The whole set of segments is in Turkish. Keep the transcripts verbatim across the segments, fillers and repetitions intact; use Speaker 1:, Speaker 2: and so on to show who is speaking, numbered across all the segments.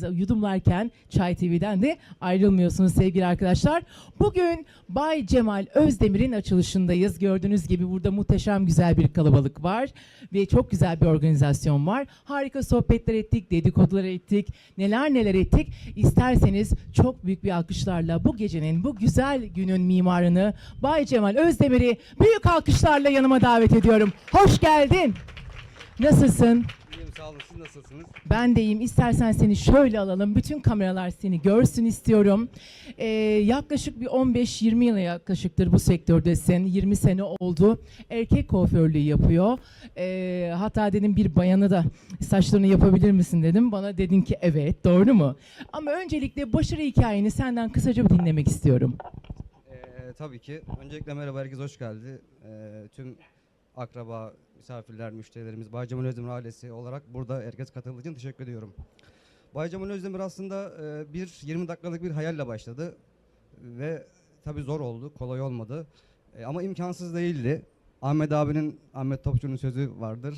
Speaker 1: çayınızı yudumlarken Çay T V'den de ayrılmıyorsunuz sevgili arkadaşlar. Bugün Bay Cemal Özdemir'in açılışındayız. Gördüğünüz gibi burada muhteşem güzel bir kalabalık var ve çok güzel bir organizasyon var. Harika sohbetler ettik, dedikodular ettik, neler neler ettik. İsterseniz çok büyük bir alkışlarla bu gecenin, bu güzel günün mimarını Bay Cemal Özdemir'i büyük alkışlarla yanıma davet ediyorum. Hoş geldin. Nasılsın?
Speaker 2: İyiyim, sağ olun. Siz nasılsınız?
Speaker 1: Ben de iyiyim. İstersen seni şöyle alalım. Bütün kameralar seni görsün istiyorum. Ee, yaklaşık bir on beş yirmi yıla yaklaşıktır bu sektördesin. yirmi sene oldu. Erkek kuaförlüğü yapıyor. Ee, hatta dedim bir bayana da saçlarını yapabilir misin dedim. Bana dedin ki evet. Doğru mu? Ama öncelikle başarı hikayeni senden kısaca bir dinlemek istiyorum.
Speaker 2: Ee, tabii ki. Öncelikle merhaba, herkes hoş geldi. Ee, tüm akraba, misafirler, müşterilerimiz, Bay Cemal Özdemir ailesi olarak burada herkes katıldığı için teşekkür ediyorum. Bay Cemal Özdemir aslında e, bir yirmi dakikalık bir hayalle başladı ve tabii zor oldu, kolay olmadı e, ama imkansız değildi. Ahmet abinin, Ahmet Topçu'nun sözü vardır.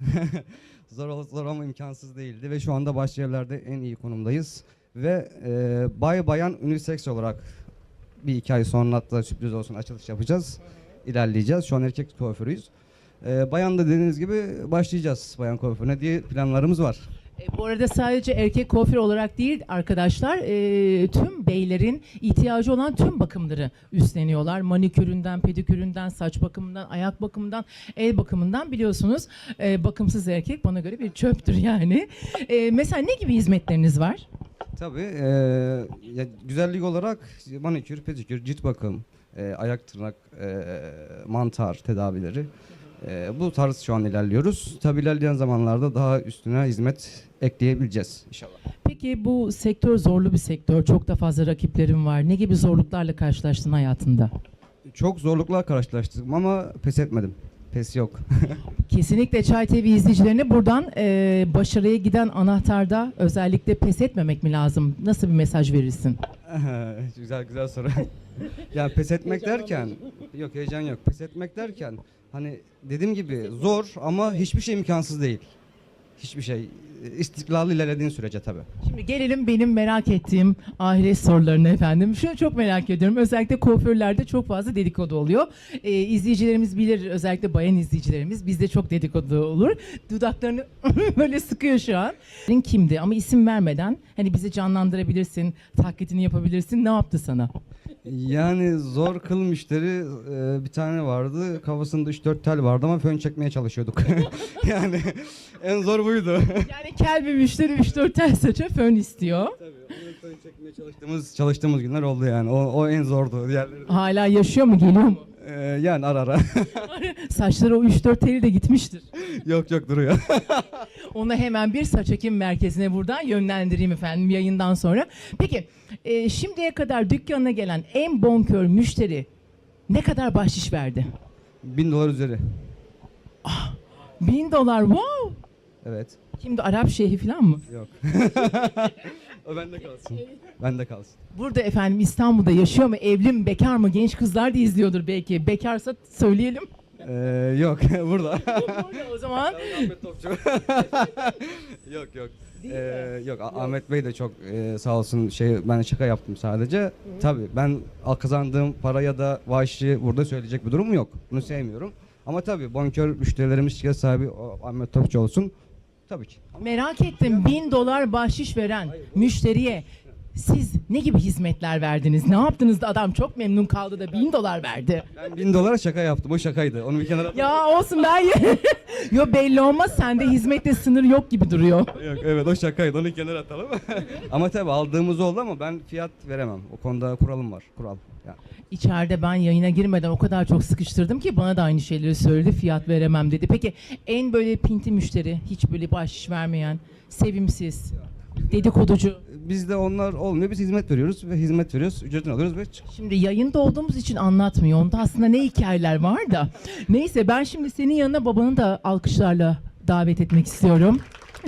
Speaker 2: Zor olsa zor ama imkansız değildi ve şu anda başyerlerde en iyi konumdayız ve e, bay bayan unisex olarak bir iki ay sonra hatta sürpriz olsun açılış yapacağız. İlerleyeceğiz. Şu an erkek kuaförüyüz. Ee, bayan da dediğiniz gibi başlayacağız bayan kuaförüne diye planlarımız var.
Speaker 1: E, bu arada sadece erkek kuaför olarak değil arkadaşlar, e, tüm beylerin ihtiyacı olan tüm bakımları üstleniyorlar. Maniküründen, pediküründen, saç bakımından, ayak bakımından, el bakımından biliyorsunuz e, bakımsız erkek bana göre bir çöptür yani. E, mesela ne gibi hizmetleriniz var?
Speaker 2: Tabii e, ya, güzellik olarak manikür, pedikür, cilt bakım, e, ayak tırnak, e, mantar tedavileri. E, bu tarz şu an ilerliyoruz. Tabii ilerleyen zamanlarda daha üstüne hizmet ekleyebileceğiz inşallah.
Speaker 1: Peki bu sektör zorlu bir sektör. Çok da fazla rakiplerim var. Ne gibi zorluklarla karşılaştın hayatında?
Speaker 2: Çok zorluklar karşılaştım ama pes etmedim. Pes yok.
Speaker 1: Kesinlikle Çay T V izleyicilerine buradan e, başarıya giden anahtarda özellikle pes etmemek mi lazım? Nasıl bir mesaj verirsin?
Speaker 2: güzel güzel soru. Yani pes etmek derken, yok heyecan yok. Pes etmek derken hani dediğim gibi zor ama hiçbir şey imkansız değil. Hiçbir şey. İstikrarlı ilerlediğin sürece tabii.
Speaker 1: Şimdi gelelim benim merak ettiğim ahiret sorularına efendim. Şunu çok merak ediyorum. Özellikle kuaförlerde çok fazla dedikodu oluyor. Ee, izleyicilerimiz bilir, özellikle bayan izleyicilerimiz bizde çok dedikodu olur. Dudaklarını böyle sıkıyor şu an. Kimdi ama isim vermeden hani bizi canlandırabilirsin, taklidini yapabilirsin. Ne yaptı sana?
Speaker 2: Yani zor kıl müşteri e, bir tane vardı. Kafasında üç dört tel vardı ama fön çekmeye çalışıyorduk. Yani en zor buydu.
Speaker 1: Yani kel bir müşteri üç dört tel saça fön istiyor.
Speaker 2: Tabii onu fön çekmeye çalıştığımız çalıştığımız günler oldu yani. O, o en zordu. Diğerleri...
Speaker 1: Hala yaşıyor mu, geliyor mu?
Speaker 2: Ee, yani ara ara.
Speaker 1: Saçları o üç dört teli de gitmiştir.
Speaker 2: Yok yok duruyor.
Speaker 1: Onu hemen bir saç ekim merkezine buradan yönlendireyim efendim yayından sonra. Peki e, şimdiye kadar dükkanına gelen en bonkör müşteri ne kadar bahşiş verdi?
Speaker 2: Bin dolar üzeri.
Speaker 1: Bin dolar, wow!
Speaker 2: Evet.
Speaker 1: Kimdi, Arap şeyhi falan mı?
Speaker 2: Yok. O bende kalsın. Bende kalsın.
Speaker 1: Burada efendim İstanbul'da yaşıyor mu, evli mi, bekar mı? Genç kızlar da izliyordur belki. Bekarsa söyleyelim.
Speaker 2: Ee, yok burada.
Speaker 1: Burada o zaman.
Speaker 2: Ahmet Topçu. Yok yok. Ee, yok Ah- Ahmet Bey de çok e, sağ olsun şey ben şaka yaptım sadece. Hı. Tabii ben al- kazandığım para ya da vahşi burada söyleyecek bir durum yok. Bunu sevmiyorum. Ama tabii bonkör müşterilerimiz şirket sahibi o Ahmet Topçu olsun. Tabii ki.
Speaker 1: Merak ettim, bin dolar bahşiş veren müşteriye siz ne gibi hizmetler verdiniz? Ne yaptınız da adam çok memnun kaldı da bin dolar verdi?
Speaker 2: Ben bin dolara şaka yaptım. O şakaydı. Onu bir kenara...
Speaker 1: Ya olsun ben yo belli olmaz, sende hizmette sınır yok gibi duruyor.
Speaker 2: Yok evet o şakaydı. Onu kenara atalım. Ama tabii aldığımız oldu ama ben fiyat veremem. O konuda kuralım var. Kural. Yani.
Speaker 1: İçeride ben yayına girmeden o kadar çok sıkıştırdım ki bana da aynı şeyleri söyledi, fiyat veremem dedi. Peki en böyle pinti müşteri, hiç böyle bahşiş vermeyen, sevimsiz, dedikoducu.
Speaker 2: Bizde onlar olmuyor. Biz hizmet veriyoruz ve hizmet veriyoruz. Ücretini alıyoruz ve çık.
Speaker 1: Şimdi yayında olduğumuz için anlatmıyor. Onda aslında ne hikayeler var da. Neyse ben şimdi senin yanına babanı da alkışlarla davet etmek istiyorum.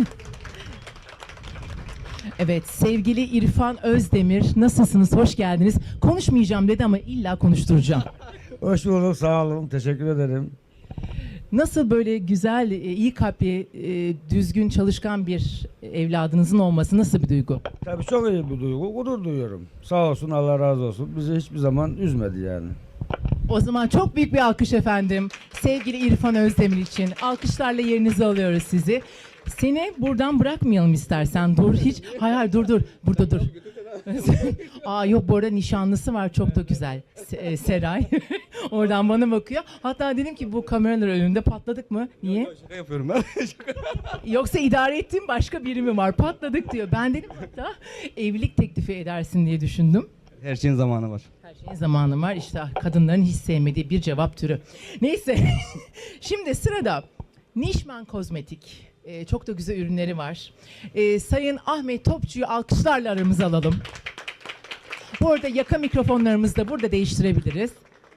Speaker 1: Evet, sevgili İrfan Özdemir, nasılsınız? Hoş geldiniz. Konuşmayacağım dedi ama illa konuşturacağım.
Speaker 3: Hoş bulduk, sağ olun, teşekkür ederim.
Speaker 1: Nasıl böyle güzel, e, iyi kalpli, e, düzgün, çalışkan bir evladınızın olması nasıl bir duygu?
Speaker 3: Tabii çok iyi bir duygu. Gurur duyuyorum. Sağ olsun, Allah razı olsun. Bizi hiçbir zaman üzmedi yani.
Speaker 1: O zaman çok büyük bir alkış efendim. Sevgili İrfan Özdemir için. Alkışlarla yerinize alıyoruz sizi. Seni buradan bırakmayalım istersen. Dur hiç. Hayır hayır dur dur. Burada dur. Aa yok, bu arada nişanlısı var, çok da güzel. Se- e, Seray. Oradan bana bakıyor. Hatta dedim ki bu kameralar önünde patladık mı? Niye?
Speaker 2: Şaka yapıyorum ben.
Speaker 1: Yoksa idare ettiğim başka biri mi var? Patladık diyor. Ben dedim hatta evlilik teklifi edersin diye düşündüm.
Speaker 2: Her şeyin zamanı var.
Speaker 1: Her şeyin zamanı var. İşte kadınların hiç sevmediği bir cevap türü. Neyse. Şimdi sırada Nişman Kozmetik. Ee, çok da güzel ürünleri var. Ee, Sayın Ahmet Topçu'yu alkışlarla aramıza alalım. Bu arada yaka mikrofonlarımızı da burada değiştirebiliriz.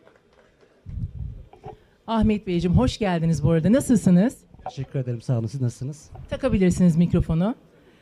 Speaker 1: Ahmet Beyciğim hoş geldiniz bu arada. Nasılsınız?
Speaker 4: Teşekkür ederim. Sağ olun. Siz nasılsınız?
Speaker 1: Takabilirsiniz mikrofonu.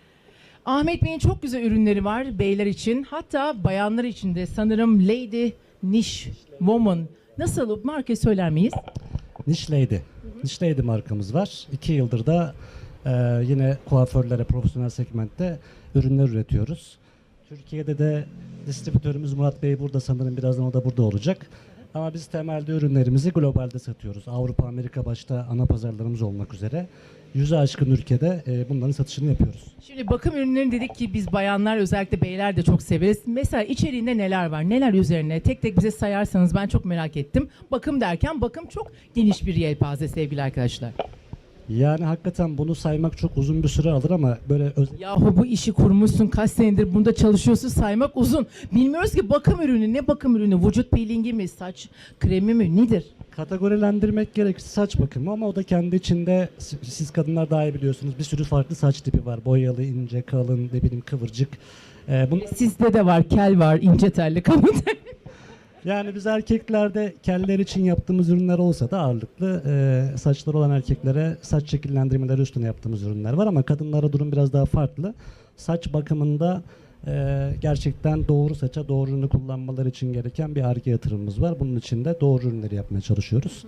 Speaker 1: Ahmet Bey'in çok güzel ürünleri var beyler için. Hatta bayanlar için de sanırım Lady Niche Woman. Nasıl marka söyler miyiz?
Speaker 4: Niche Lady. Niche Lady markamız var. İki yıldır da e, yine kuaförlere, profesyonel segmentte ürünler üretiyoruz. Türkiye'de de distribütörümüz Murat Bey burada, sanırım birazdan o da burada olacak. Ama biz temelde ürünlerimizi globalde satıyoruz. Avrupa, Amerika başta ana pazarlarımız olmak üzere. Yüze aşkın ülkede e, bunların satışını yapıyoruz.
Speaker 1: Şimdi bakım ürünlerini dedik ki biz bayanlar, özellikle beyler de çok severiz. Mesela içeriğinde neler var? Neler üzerine? Tek tek bize sayarsanız ben çok merak ettim. Bakım derken bakım çok geniş bir yelpaze sevgili arkadaşlar.
Speaker 4: Yani hakikaten bunu saymak çok uzun bir süre alır ama böyle özel...
Speaker 1: Yahu bu işi kurmuşsun, kaç senedir bunda çalışıyorsun, saymak uzun. Bilmiyoruz ki bakım ürünü ne bakım ürünü? Vücut peelingi mi, saç kremi mi, nedir?
Speaker 4: Kategorilendirmek gerekirse saç bakımı, ama o da kendi içinde, siz kadınlar daha iyi biliyorsunuz, bir sürü farklı saç tipi var. Boyalı, ince, kalın, ne bileyim kıvırcık. Ee, bunun,
Speaker 1: Sizde de var, kel var, ince telli, kalın telli.
Speaker 4: yani biz erkeklerde keller için yaptığımız ürünler olsa da ağırlıklı e, saçları olan erkeklere saç şekillendirmeleri üstüne yaptığımız ürünler var, ama kadınlara durum biraz daha farklı. Saç bakımında e, gerçekten doğru saça doğru ürünü kullanmaları için gereken bir Ar-Ge yatırımımız var. Bunun için de doğru ürünleri yapmaya çalışıyoruz.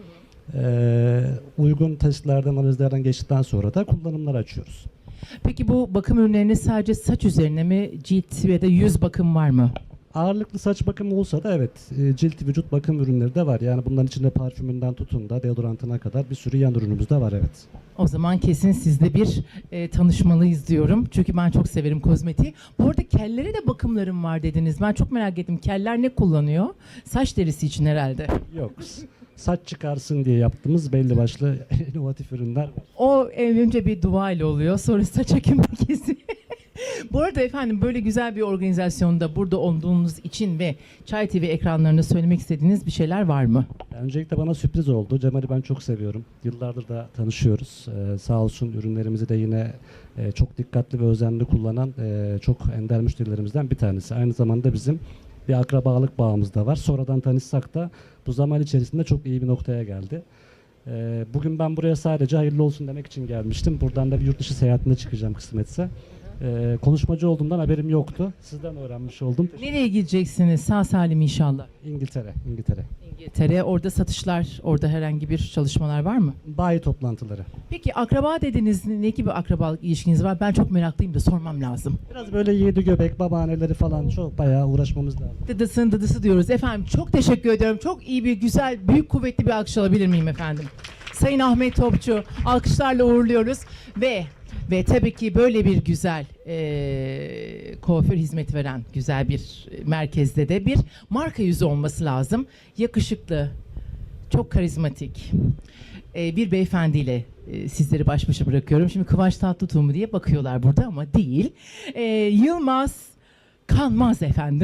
Speaker 4: E, uygun testlerden, analizlerden geçtikten sonra da kullanımlar açıyoruz.
Speaker 1: Peki bu bakım ürünlerinin sadece saç üzerine mi, cilt ve de yüz bakım var mı?
Speaker 4: Ağırlıklı saç bakımı olsa da evet, e, cilt vücut bakım ürünleri de var. Yani bunların içinde parfümünden tutun da deodorantına kadar bir sürü yan ürünümüz de var, evet.
Speaker 1: O zaman kesin sizde bir e, tanışmalıyız diyorum. Çünkü ben çok severim kozmetiği. Bu arada kellere de bakımlarım var dediniz. Ben çok merak ettim. Keller ne kullanıyor? Saç derisi için herhalde.
Speaker 4: Yok. Saç çıkarsın diye yaptığımız belli başlı inovatif ürünler var.
Speaker 1: O e, önce bir dua ile oluyor. Sonra saç ekim merkezi. Bu arada efendim böyle güzel bir organizasyonda burada olduğunuz için ve Çay T V ekranlarında söylemek istediğiniz bir şeyler var mı?
Speaker 4: Yani öncelikle bana sürpriz oldu. Cemal'i ben çok seviyorum. Yıllardır da tanışıyoruz. Ee, sağ olsun ürünlerimizi de yine e, çok dikkatli ve özenli kullanan e, çok ender müşterilerimizden bir tanesi. Aynı zamanda bizim bir akrabalık bağımız da var. Sonradan tanışsak da bu zaman içerisinde çok iyi bir noktaya geldi. Ee, bugün ben buraya sadece hayırlı olsun demek için gelmiştim. Buradan da bir yurt dışı seyahatine çıkacağım kısmetse. Ee, konuşmacı olduğumdan haberim yoktu. Sizden öğrenmiş oldum.
Speaker 1: Nereye gideceksiniz? Sağ salim inşallah.
Speaker 4: İngiltere, İngiltere.
Speaker 1: İngiltere. Orada satışlar, orada herhangi bir çalışmalar var mı?
Speaker 4: Bayi toplantıları.
Speaker 1: Peki akraba dediniz, ne gibi akrabalık ilişkiniz var? Ben çok meraklıyım da sormam lazım.
Speaker 4: Biraz böyle yedi göbek, babaanneleri falan çok bayağı uğraşmamız lazım.
Speaker 1: Dıdısın dıdısı diyoruz. Efendim çok teşekkür ediyorum. Çok iyi bir, güzel, büyük, kuvvetli bir alkış alabilir miyim efendim? Sayın Ahmet Topçu, alkışlarla uğurluyoruz ve ve tabii ki böyle bir güzel e, kuaför hizmeti veren güzel bir merkezde de bir marka yüzü olması lazım. Yakışıklı, çok karizmatik e, bir beyefendiyle e, sizleri baş başa bırakıyorum. Şimdi Kıvanç Tatlıtuğ mu diye bakıyorlar burada ama değil. E, Yılmaz Kanmaz efendim.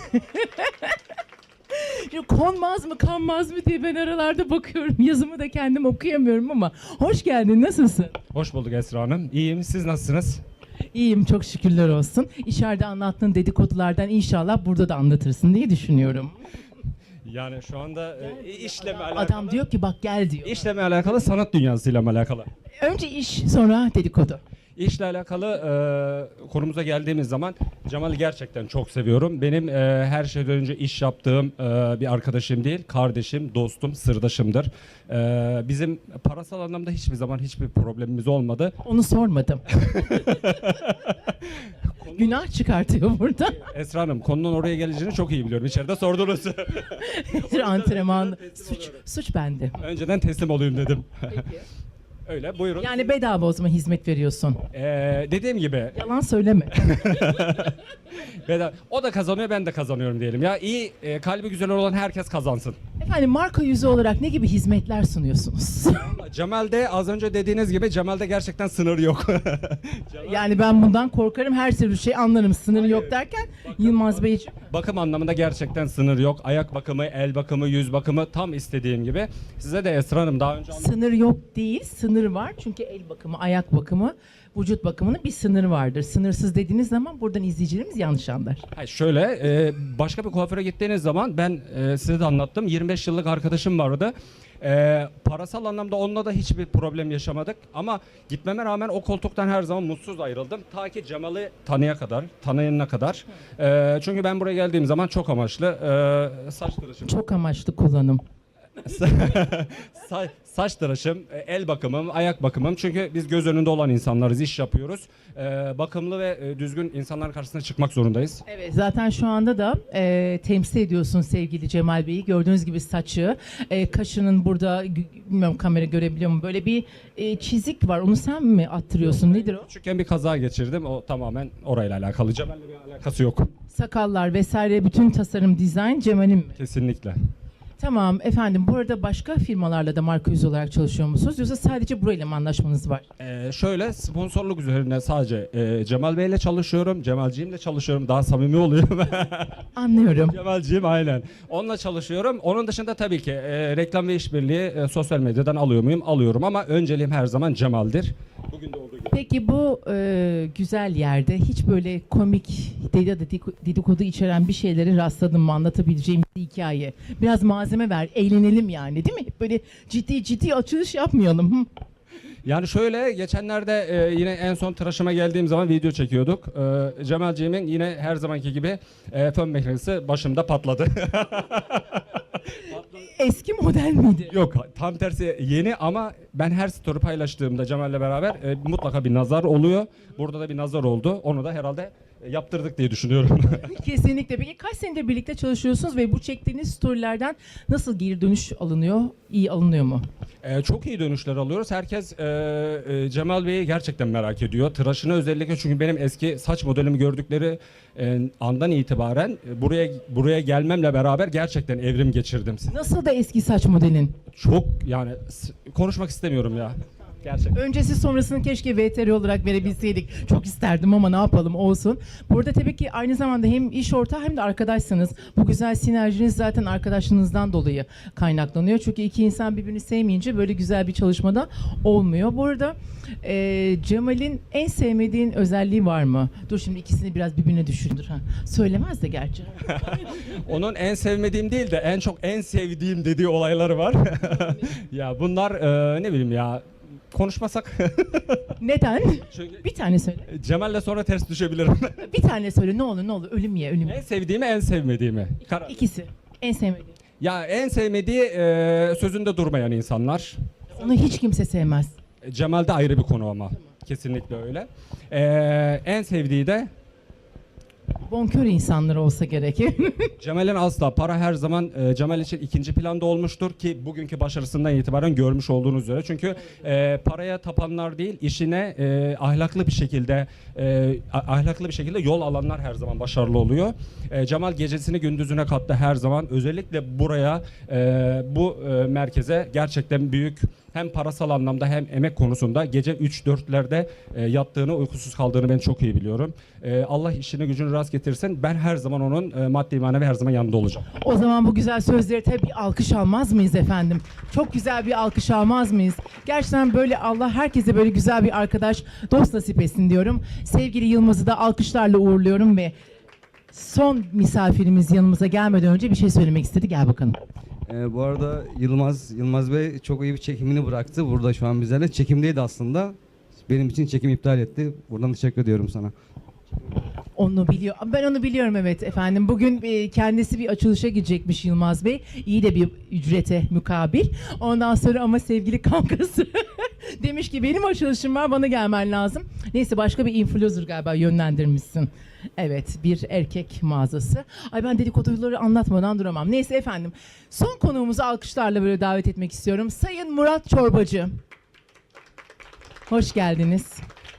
Speaker 1: Şimdi konmaz mı kanmaz mı diye ben aralarda bakıyorum. Yazımı da kendim okuyamıyorum ama. Hoş geldin, nasılsın?
Speaker 5: Hoş bulduk Esra Hanım. İyiyim. Siz nasılsınız?
Speaker 1: İyiyim, çok şükürler olsun. İçeride anlattığın dedikodulardan inşallah burada da anlatırsın diye düşünüyorum.
Speaker 5: Yani şu anda e, işleme alakalı.
Speaker 1: Adam diyor ki bak gel diyor.
Speaker 5: İşleme alakalı, sanat dünyasıyla mı alakalı?
Speaker 1: Önce iş, sonra dedikodu.
Speaker 5: İşle alakalı e, konumuza geldiğimiz zaman Cemal'i gerçekten çok seviyorum. Benim e, her şeyden önce iş yaptığım e, bir arkadaşım değil, kardeşim, dostum, sırdaşımdır. E, bizim parasal anlamda hiçbir zaman hiçbir problemimiz olmadı.
Speaker 1: Onu sormadım. Günah çıkartıyor burada.
Speaker 5: Esra Hanım, konunun oraya geleceğini çok iyi biliyorum. İçeride sordunuz.
Speaker 1: Bir antrenman. Suç, suç bende.
Speaker 5: Önceden teslim olayım dedim. Öyle, buyurun.
Speaker 1: Yani bedava o zaman hizmet veriyorsun.
Speaker 5: E, dediğim gibi
Speaker 1: Yalan söyleme.
Speaker 5: bedava- o da kazanıyor, ben de kazanıyorum diyelim. Ya iyi, e, kalbi güzel olan herkes kazansın.
Speaker 1: Efendim marka yüzü olarak ne gibi hizmetler sunuyorsunuz?
Speaker 5: Cemal'de az önce dediğiniz gibi Cemal'de gerçekten sınır yok.
Speaker 1: Yani ben bundan korkarım. Her türlü şey anlarım. Sınırı yok derken Yılmaz Beyciğim.
Speaker 5: Bakım anlamında gerçekten sınır yok. Ayak bakımı, el bakımı, yüz bakımı tam istediğim gibi. Size de Esra Hanım daha önce anlattım.
Speaker 1: Sınır yok değil, sınır var. Çünkü el bakımı, ayak bakımı, vücut bakımının bir sınırı vardır. Sınırsız dediğiniz zaman buradan izleyicilerimiz yanlış anlar.
Speaker 5: Hayır, şöyle e, başka bir kuaföre gittiğiniz zaman ben e, size de anlattım. yirmi beş yıllık arkadaşım vardı. E, parasal anlamda onunla da hiçbir problem yaşamadık. Ama gitmeme rağmen o koltuktan her zaman mutsuz ayrıldım. Ta ki Cemal'i tanıya kadar, tanıyana kadar. E, çünkü ben buraya geldiğim zaman çok amaçlı e, saç tıraşım.
Speaker 1: Çok amaçlı kullanım.
Speaker 5: Sa- saç tıraşım, e, el bakımım, ayak bakımım. Çünkü biz göz önünde olan insanlarız, iş yapıyoruz. E, bakımlı ve e, düzgün insanların karşısına çıkmak zorundayız.
Speaker 1: Evet, zaten şu anda da e, temsil ediyorsun sevgili Cemal Bey'i. Gördüğünüz gibi saçı, e, kaşının burada, gü- bilmiyorum kamera görebiliyor mu? Böyle bir e, çizik var. Onu sen mi attırıyorsun? Nedir o?
Speaker 5: Küçükken bir kaza geçirdim. O tamamen orayla alakalı. Cemal'le bir alakası yok.
Speaker 1: Sakallar vesaire bütün tasarım, dizayn Cemal'in mi?
Speaker 5: Kesinlikle.
Speaker 1: Tamam efendim. Bu arada başka firmalarla da marka yüzü olarak çalışıyor musunuz? Yoksa sadece burayla mı anlaşmanız var?
Speaker 5: Ee, şöyle sponsorluk üzerine sadece e, Cemal Bey'le çalışıyorum. Cemalciğimle çalışıyorum. Daha samimi oluyorum.
Speaker 1: Anlıyorum.
Speaker 5: Cemalciğim aynen. Onunla çalışıyorum. Onun dışında tabii ki e, reklam ve işbirliği e, sosyal medyadan alıyor muyum? Alıyorum ama önceliğim her zaman Cemal'dir. Bugün de olduğu gibi.
Speaker 1: Peki bu e, güzel yerde hiç böyle komik dedikodu, dedikodu içeren bir şeylere rastladın mı? Anlatabileceğim bir hikaye. Biraz malzeme ver, eğlenelim yani değil mi? Böyle ciddi ciddi açılış yapmayalım. Hı.
Speaker 5: Yani şöyle geçenlerde e, yine en son tıraşıma geldiğim zaman video çekiyorduk. E, Cemalciğimin yine her zamanki gibi e, fön makinesi başımda patladı.
Speaker 1: Eski model miydi?
Speaker 5: Yok tam tersi yeni ama ben her story paylaştığımda Cemal'le beraber e, mutlaka bir nazar oluyor. Burada da bir nazar oldu. Onu da herhalde e, yaptırdık diye düşünüyorum.
Speaker 1: Kesinlikle. Peki kaç senedir birlikte çalışıyorsunuz ve bu çektiğiniz storylerden nasıl geri dönüş alınıyor? İyi alınıyor mu?
Speaker 5: e, çok iyi dönüşler alıyoruz. Herkes e, e, Cemal Bey'i gerçekten merak ediyor. Tıraşını özellikle çünkü benim eski saç modelimi gördükleri e, andan itibaren e, buraya buraya gelmemle beraber gerçekten evrim geçirdim.
Speaker 1: Nasıl da eski saç modelin?
Speaker 5: Çok yani s- konuşmak istemiyorum ya. Gerçekten.
Speaker 1: Öncesi sonrasını keşke V T R olarak verebilseydik. Çok isterdim ama ne yapalım olsun. Burada tabii ki aynı zamanda hem iş ortağı hem de arkadaşsınız. Bu güzel sinerjiniz zaten arkadaşlığınızdan dolayı kaynaklanıyor. Çünkü iki insan birbirini sevmeyince böyle güzel bir çalışmada olmuyor. Bu arada e, Cemal'in en sevmediğin özelliği var mı? Dur şimdi ikisini biraz birbirine düşürdür. Ha. Söylemez de gerçi.
Speaker 5: Onun en sevmediğim değil de en çok en sevdiğim dediği olayları var. Ya bunlar e, ne bileyim ya konuşmasak.
Speaker 1: Neden?
Speaker 5: Çünkü
Speaker 1: Bir tane söyle.
Speaker 5: Cemal'le sonra ters düşebilirim.
Speaker 1: Bir tane söyle ne olur ne olur. Ölüm ye ölüm
Speaker 5: En
Speaker 1: ye.
Speaker 5: sevdiğimi en sevmediğimi. Karar.
Speaker 1: İkisi. En sevmediğin.
Speaker 5: Ya en sevmediği e, sözünde durmayan insanlar.
Speaker 1: Onu hiç kimse sevmez.
Speaker 5: Cemal'de ayrı bir konu ama. Kesinlikle öyle. E, en sevdiği de
Speaker 1: Bonkör insanlar olsa gerek.
Speaker 5: Cemal'in asla para her zaman e, Cemal için ikinci planda olmuştur ki bugünkü başarısından itibaren görmüş olduğunuz üzere. Çünkü e, paraya tapanlar değil, işine e, ahlaklı bir şekilde e, a- ahlaklı bir şekilde yol alanlar her zaman başarılı oluyor. E, Cemal gecesini gündüzüne kattı her zaman. Özellikle buraya e, bu e, merkeze gerçekten büyük hem parasal anlamda hem emek konusunda gece üç dörtlerde e, yattığını, uykusuz kaldığını ben çok iyi biliyorum. E, Allah işini gücünü rast getirsin. Ben her zaman onun e, maddi manevi her zaman yanında olacağım.
Speaker 1: O zaman bu güzel sözleri tabii bir alkış almaz mıyız efendim? Çok güzel bir alkış almaz mıyız? Gerçekten böyle Allah herkese böyle güzel bir arkadaş, dost nasip etsin diyorum. Sevgili Yılmaz'ı da alkışlarla uğurluyorum ve son misafirimiz yanımıza gelmeden önce bir şey söylemek istedi. Gel bakalım.
Speaker 2: Ee, bu arada Yılmaz Yılmaz Bey çok iyi bir çekimini bıraktı. Burada şu an bizlerle. Çekimdeydi aslında. benim için çekim iptal etti. Buradan teşekkür ediyorum sana.
Speaker 1: Onu biliyor. Ben onu biliyorum, evet efendim. Bugün e, kendisi bir açılışa gidecekmiş Yılmaz Bey. İyi de bir ücrete mukabil. Ondan sonra ama sevgili kankası demiş ki benim açılışım var, bana gelmen lazım. Neyse, başka bir influencer galiba yönlendirmişsin. Evet, bir erkek mağazası. Ay, ben dedikoduları anlatmadan duramam. Neyse efendim. Son konuğumuzu alkışlarla böyle davet etmek istiyorum. Sayın Murat Çorbacı. Hoş geldiniz.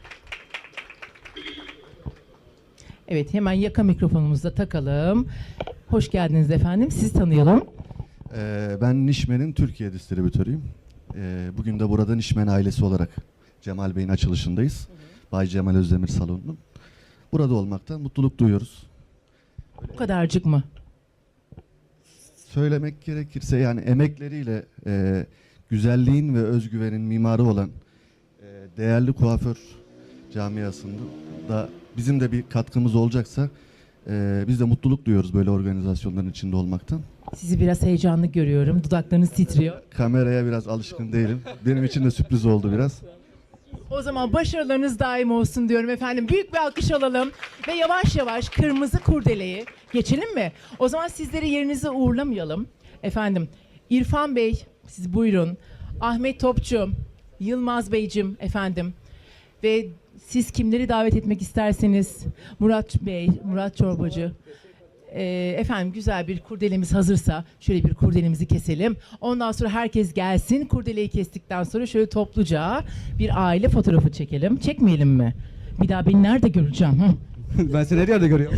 Speaker 1: Evet, hemen yaka mikrofonumuzu da takalım. Hoş geldiniz efendim. Sizi tanıyalım.
Speaker 6: Ee, ben Nişmen'in Türkiye distribütörüyüm. Ee, bugün de burada Nişmen ailesi olarak Cemal Bey'in açılışındayız. Bay Cemal Özdemir Salonu'nun. Burada olmaktan mutluluk duyuyoruz.
Speaker 1: Bu kadarcık mı?
Speaker 6: Söylemek gerekirse yani emekleriyle e, güzelliğin ve özgüvenin mimarı olan e, değerli kuaför camiasında da bizim de bir katkımız olacaksa e, biz de mutluluk duyuyoruz böyle organizasyonların içinde olmaktan.
Speaker 1: Sizi biraz heyecanlı görüyorum. Dudaklarınız titriyor.
Speaker 6: Kameraya biraz alışkın değilim. Benim için de sürpriz oldu biraz.
Speaker 1: O zaman başarılarınız daim olsun diyorum efendim. Büyük bir alkış alalım ve yavaş yavaş kırmızı kurdeleyi geçelim mi? O zaman sizleri yerinize uğurlamayalım. Efendim, İrfan Bey, siz buyurun. Ahmet Topçu, Yılmaz Beyciğim efendim. Ve siz kimleri davet etmek isterseniz, Murat Bey, Murat Çorbacı. Ee, efendim, güzel bir kurdelemiz hazırsa şöyle bir kurdelemizi keselim. Ondan sonra herkes gelsin. Kurdeleyi kestikten sonra şöyle topluca bir aile fotoğrafı çekelim. Çekmeyelim mi? Bir daha beni nerede göreceğim? Hı?
Speaker 2: Ben seni her yerde görüyorum.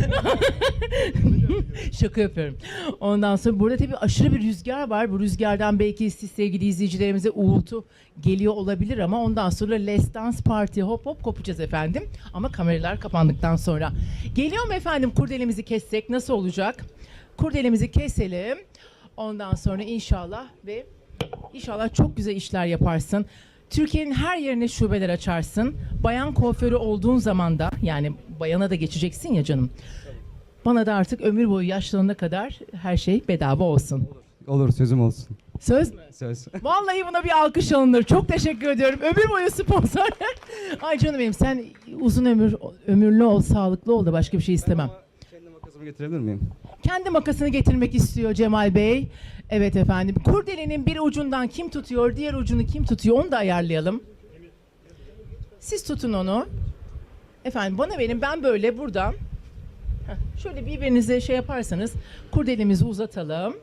Speaker 1: Şaka yapıyorum. Ondan sonra burada tabii aşırı bir rüzgar var. Bu rüzgardan belki siz sevgili izleyicilerimize uğultu geliyor olabilir ama ondan sonra Let's Dance Party hop hop kopacağız efendim. Ama kameralar kapandıktan sonra. Geliyor mu efendim, kurdelemizi kessek nasıl olacak? Kurdelemizi keselim. Ondan sonra inşallah ve inşallah çok güzel işler yaparsın. Türkiye'nin her yerine şubeler açarsın. Bayan kuaförü olduğun zaman da, yani bayana da geçeceksin ya canım. Bana da artık ömür boyu yaşlarına kadar her şey bedava olsun.
Speaker 2: Olur, sözüm olsun.
Speaker 1: Söz mü?
Speaker 2: Söz.
Speaker 1: Vallahi buna bir alkış alınır. Çok teşekkür ediyorum. Ömür boyu sponsor. Ay canım benim, sen uzun ömür ömürlü ol, sağlıklı ol da başka bir şey istemem.
Speaker 2: Kendi makasımı getirebilir miyim?
Speaker 1: Kendi makasını getirmek istiyor Cemal Bey. Evet efendim. Kurdelenin bir ucundan kim tutuyor, diğer ucunu kim tutuyor, onu da ayarlayalım. Siz tutun onu. Efendim bana verin, ben böyle buradan. Heh, şöyle birbirinize şey yaparsanız kurdelemizi uzatalım.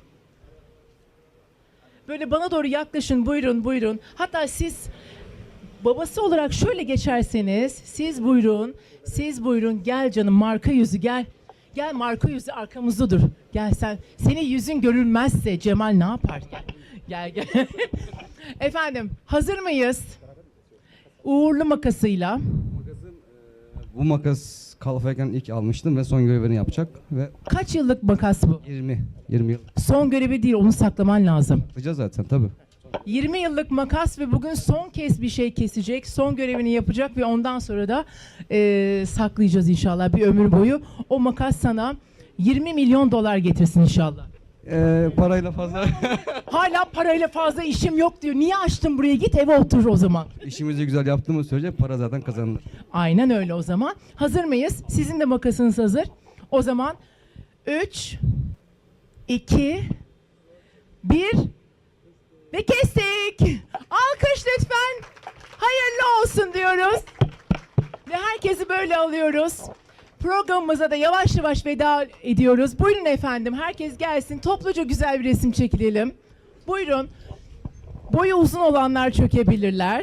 Speaker 1: Böyle bana doğru yaklaşın, buyurun buyurun. Hatta siz babası olarak şöyle geçerseniz, siz buyurun, siz buyurun, gel canım marka yüzü gel. Gel marka yüzü arkamızda dur. Gel sen. Senin yüzün görülmezse Cemal ne yapar? Gel gel. gel. Efendim hazır mıyız? Uğurlu makasıyla.
Speaker 2: Bu makas kalfayken ilk almıştım ve son görevini yapacak ve
Speaker 1: Kaç yıllık makas bu?
Speaker 2: yirmi yirmi yıl.
Speaker 1: Son görevi değil, onu saklaman lazım.
Speaker 2: Yapacağız zaten tabii.
Speaker 1: yirmi yıllık makas ve bugün son kez bir şey kesecek, son görevini yapacak ve ondan sonra da e, saklayacağız inşallah bir ömür boyu. O makas sana yirmi milyon dolar getirsin inşallah.
Speaker 2: Ee, parayla fazla
Speaker 1: Hala parayla fazla işim yok diyor. Niye açtın buraya? Git eve otur o zaman.
Speaker 2: işimizi güzel yaptığımız sürece para zaten kazanılır.
Speaker 1: Aynen öyle o zaman. Hazır mıyız? Sizin de makasınız hazır. O zaman üç, iki, bir ve kestik. Alkış lütfen. Hayırlı olsun diyoruz. Ve herkesi böyle alıyoruz. Programımıza da yavaş yavaş veda ediyoruz. Buyurun efendim, herkes gelsin. Topluca güzel bir resim çekilelim. Buyurun. Boyu uzun olanlar çökebilirler.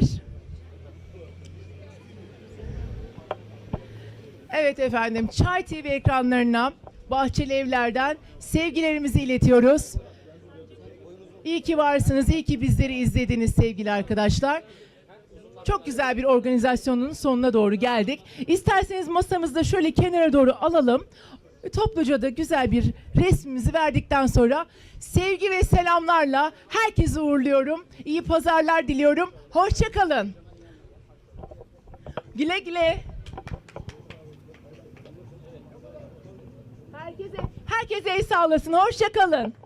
Speaker 1: Evet efendim, Çay T V ekranlarına, Bahçeli Evler'den sevgilerimizi iletiyoruz. İyi ki varsınız, iyi ki bizleri izlediniz sevgili arkadaşlar. Çok güzel bir organizasyonun sonuna doğru geldik. İsterseniz masamızda şöyle kenara doğru alalım. Topluca da güzel bir resmimizi verdikten sonra sevgi ve selamlarla herkesi uğurluyorum. İyi pazarlar diliyorum. Hoşça kalın. Güle güle. Herkese herkese el sağlasın. Hoşça kalın.